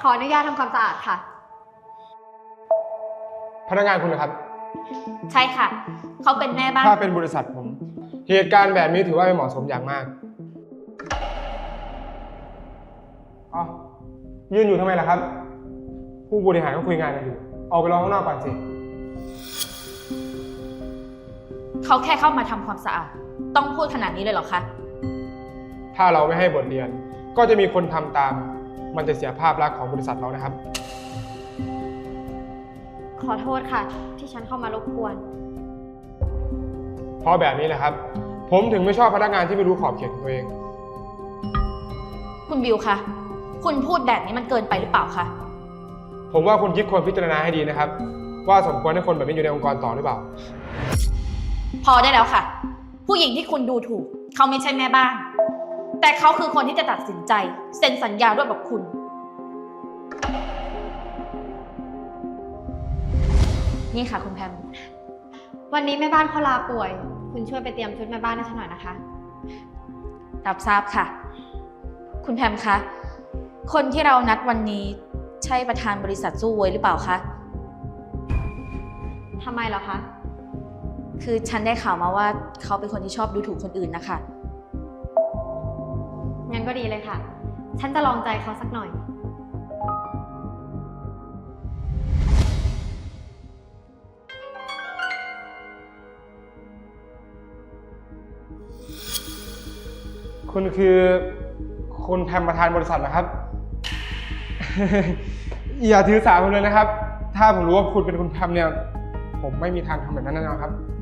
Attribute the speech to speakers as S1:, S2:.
S1: ขออนุญาตทำความสะอาดค่ะ
S2: พนักงานคุณนะครับ
S3: ใช่ค่ะ เขาเป็นแม่บ้าน
S2: ถ้าเป็นบริษัทผม เหตุการณ์แบบนี้ถือว่าไม่เหมาะสมอย่างมากอ๋อยืนอยู่ทำไมล่ะครับ ผู้บริหารก็คุยงานกันอยู่ออกไปรอข้างนอกก่อนสิ
S3: เขาแค่เข้ามาทำความสะอาด ต้องพูดขนาดนี้เลยเหรอคะ
S2: ถ้าเราไม่ให้บทเรียน ก็จะมีคนทำตาม มันจะเสียภาพลักษณ์ของบริษัทเรานะครับ
S1: ขอโทษค่ะ ที่ฉันเข้ามารบกวน
S2: เพราะแบบนี้แหละครับ ผมถึงไม่ชอบพนักงานที่ไม่รู้ขอบเขตของตัวเอง
S3: คุณบิวคะ คุณพูดแบบนี้มันเกินไปหรือเปล่าคะ
S2: ผมว่าคุณคิดควรพิจารณาให้ดีนะครับ ว่าสมควรให้คนแบบนี้อยู่ในองค์กรต่อหรือเปล่า
S3: พอได้แล้วค่ะ ผู้หญิงที่คุณดูถูก เขาไม่ใช่แม่บ้าน แต่เขาคือคนที่จะตัดสินใจเซ็นสัญญาด้วยกับคุณ นี่ค่ะคุณแพม
S1: วันนี้แม่บ้านเขาลาป่วย คุณช่วยไปเตรียมชุดแม่บ้านให้ฉันหน่อยนะคะ
S3: รับทราบค่ะ คุณแพมคะ คนที่เรานัดวันนี้ใช่ประธานบริษัทสู้เวยหรือเปล่าคะ
S1: ทำไมเหรอคะ
S3: คือฉันได้ข่าวมาว่าเขาเป็นคนที่ชอบดูถูกคนอื่นนะคะ
S1: งั้นก็ดีเลยค่ะ ฉันจะลองใจเขาสักหน่อย
S2: คุณคือคุณแพมประธานบริษัทเหรอครับ อย่าถือสาผมเลยนะครับ ถ้าผมรู้ว่าคุณเป็นคุณแพมเนี่ย ผมไม่มีทางทำแบบนั้นแน่นอนครับ